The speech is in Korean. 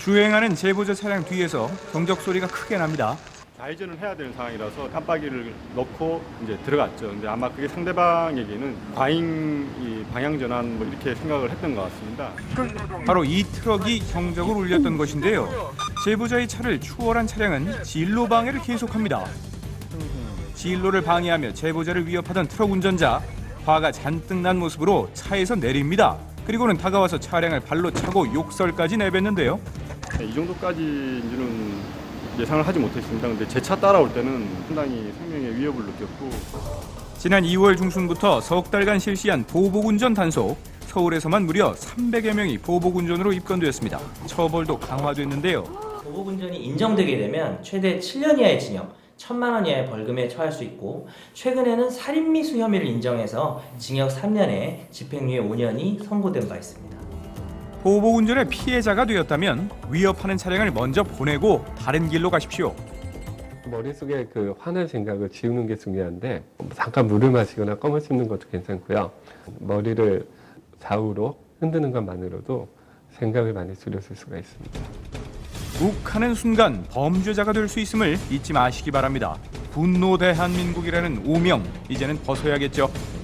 주행하는 제보자 차량 뒤에서 경적 소리가 크게 납니다. 좌회전을 해야 되는 상황이라서 깜빡이를 넣고 이제 들어갔죠. 근데 아마 그게 상대방에게는 과잉 방향 전환 뭐 이렇게 생각을 했던 것 같습니다. 바로 이 트럭이 경적을 울렸던 것인데요. 제보자의 차를 추월한 차량은 진로 방해를 계속합니다. 진로를 방해하며 제보자를 위협하던 트럭 운전자, 화가 잔뜩 난 모습으로 차에서 내립니다. 그리고는 다가와서 차량을 발로 차고 욕설까지 내뱉는데요. 이 정도까지는 예상을 하지 못했습니다. 근데 제 차 따라올 때는 상당히 생명의 위협을 느꼈고. 지난 2월 중순부터 석 달간 실시한 보복운전 단속. 서울에서만 무려 300여 명이 보복운전으로 입건되었습니다. 처벌도 강화됐는데요. 보복운전이 인정되게 되면 최대 7년 이하의 징역, 1,000만 원 이하의 벌금에 처할 수 있고, 최근에는 살인미수 혐의를 인정해서 징역 3년에 집행유예 5년이 선고된 바 있습니다. 보복운전의 피해자가 되었다면 위협하는 차량을 먼저 보내고 다른 길로 가십시오. 머릿속에 그 화난 생각을 지우는 게 중요한데, 잠깐 물을 마시거나 껌을 씹는 것도 괜찮고요. 머리를 좌우로 흔드는 것만으로도 생각을 많이 줄여줄 수가 있습니다. 욱하는 순간 범죄자가 될 수 있음을 잊지 마시기 바랍니다. 분노 대한민국이라는 오명, 이제는 벗어야겠죠.